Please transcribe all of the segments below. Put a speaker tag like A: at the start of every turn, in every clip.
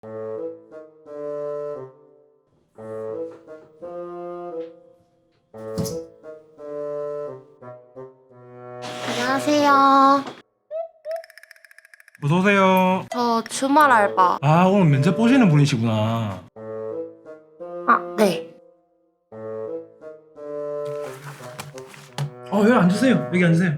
A: 안녕하세요.
B: 어서오세요.
A: 저 주말 알바.
B: 아, 오늘 면접 보시는 분이시구나.
A: 아, 네.
B: 여기 앉으세요. 여기 앉으세요.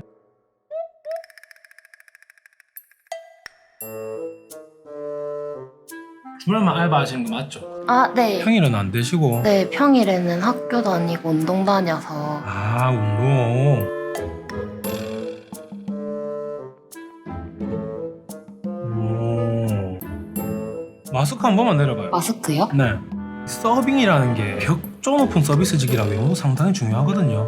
B: 주말만 알바하시는 거 맞죠?
A: 아, 네.
B: 평일은 안 되시고.
A: 네, 평일에는 학교 다니고 운동 다녀서.
B: 아, 운동. 마스크 한 번만 내려봐요.
A: 마스크요?
B: 네. 서빙이라는 게 격조 높은 서비스직이라 외모도 상당히 중요하거든요.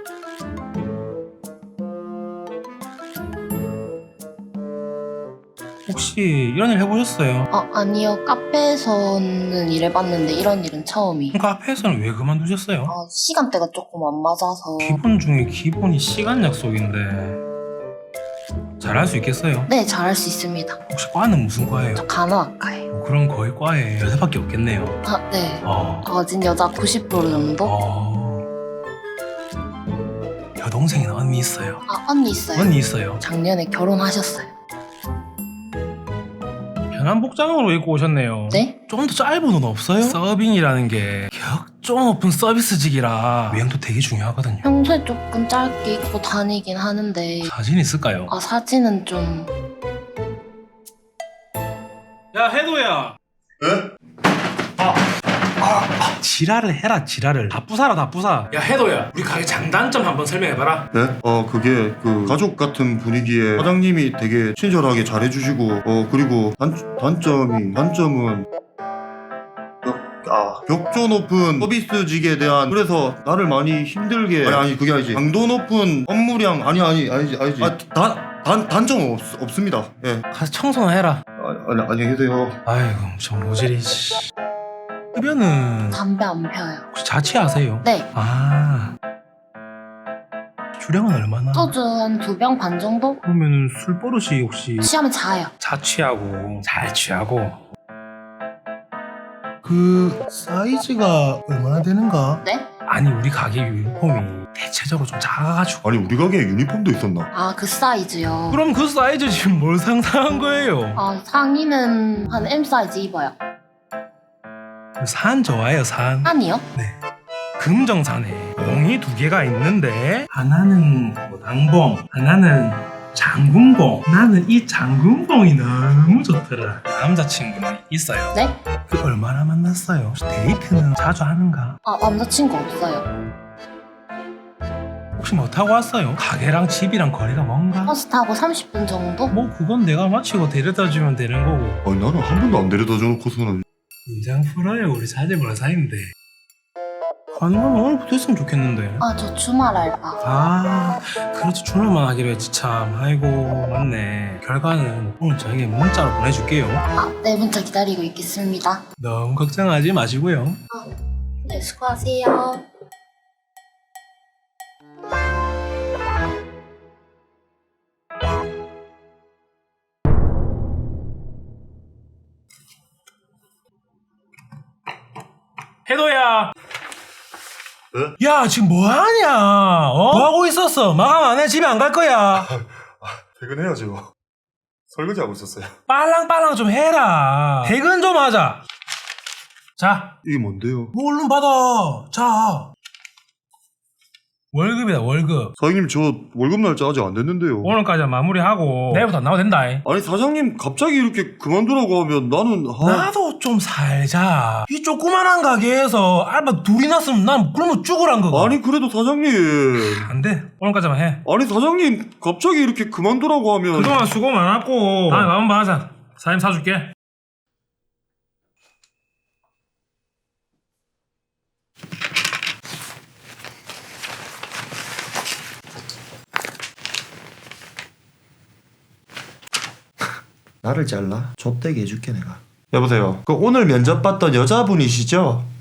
B: 혹시 이런 일 해보셨어요?
A: 아니요. 카페에서는 일해봤는데 이런 일은 처음이.
B: 그럼 카페에서는 왜 그만두셨어요?
A: 시간대가 조금 안 맞아서.
B: 기본 중에 기본이 시간 약속인데 잘할 수 있겠어요?
A: 네, 잘할 수 있습니다.
B: 혹시 과는 무슨 과예요?
A: 저 간호학과예요.
B: 그럼 거의 과에 여자밖에 없겠네요.
A: 네.
B: 어.
A: 거진 여자 90% 정도?
B: 여동생이나 언니 있어요?
A: 언니 있어요.
B: 언니 있어요.
A: 작년에 결혼하셨어요.
B: 편한 복장으로 입고 오셨네요.
A: 네?
B: 좀 더 짧은 옷 없어요? 서빙이라는 게 격조 높은 서비스직이라 외형도 되게 중요하거든요.
A: 평소에 조금 짧게 입고 다니긴 하는데.
B: 사진 있을까요?
A: 사진은 좀.
B: 야, 해도야.
C: 예?
B: 지랄을 해라, 지랄을. 다 부사라, 다 부사. 야, 해도야. 우리 가게 장단점 한번 설명해봐라.
C: 네? 그게 가족 같은 분위기에 사장님이 되게 친절하게 잘해주시고 그리고 단점은 격조 높은 서비스직에 대한, 그래서 나를 많이 힘들게, 아니 그게 아니지, 강도 높은 업무량, 아니지 단점은 없습니다. 예.
B: 가서 청소나 해라.
C: 안녕히 계세요.
B: 아이고, 저 모질이. 흡연은
A: 담배 안 펴요.
B: 혹시 자취하세요?
A: 네.
B: 주량은 얼마나?
A: 소주 한 2병 반 정도?
B: 그러면 술 버릇이 혹시
A: 취하면 자요.
B: 자취하고 잘 취하고 그 사이즈가 얼마나 되는가?
A: 네?
B: 아니, 우리 가게 유니폼이 대체적으로 좀 작아가지고.
C: 아니 우리 가게에 유니폼도 있었나?
A: 그 사이즈요.
B: 그럼 그 사이즈 지금 뭘 상상한 거예요?
A: 상의는 한 M 사이즈 입어요.
B: 산 좋아해요, 산.
A: 산이요?
B: 금정산에 봉이 2개가 있는데 하나는 낭봉, 하나는 장군봉. 나는 이 장군봉이 너무 좋더라. 남자친구는 있어요?
A: 네?
B: 그 얼마나 만났어요? 혹시 데이트는 자주 하는가?
A: 남자친구 없어요.
B: 혹시 뭐 타고 왔어요? 가게랑 집이랑 거리가 먼가?
A: 버스 타고 30분 정도?
B: 뭐 그건 내가 마치고 데려다 주면 되는 거고.
C: 아니 나는 한 번도 안 데려다 줘놓고서는.
B: 인장 풀어요. 우리 자제보라 사이인데. 가능하면 오늘부터 했으면 좋겠는데.
A: 저 주말 알바.
B: 그렇지. 주말만 하기로 했지 참. 아이고, 맞네. 결과는 오늘 저에게 문자로 보내줄게요.
A: 네, 문자 기다리고 있겠습니다.
B: 너무 걱정하지 마시고요.
A: 네, 수고하세요.
B: 해도야.
C: 네?
B: 야, 지금 뭐하냐? 뭐하고 있었어? 마감 안 해? 집에 안 갈 거야.
C: 퇴근해야죠. 설거지하고 있었어요.
B: 빨랑빨랑 좀 해라. 퇴근 좀 하자. 자,
C: 이게 뭔데요?
B: 뭐 얼른 받아. 자. 월급이다, 월급.
C: 사장님 저 월급 날짜 아직 안 됐는데요.
B: 오늘까지 마무리하고 내일부터 안 나와도 된다.
C: 아니 사장님 갑자기 이렇게 그만두라고 하면 나는
B: 나도 좀 살자. 이 조그만한 가게에서 알바 둘이 났으면 난 굶어 죽으란 거고.
C: 아니 그래도 사장님,
B: 안 돼. 오늘까지만 해.
C: 아니 사장님 갑자기 이렇게 그만두라고 하면
B: 그동안 수고 많았고 다음에 마음 봐하자. 사장님 사줄게.
C: 나를 잘라? 좁대게 해줄게 내가. 여보세요. 그 오늘 면접 봤던 여자분이시죠?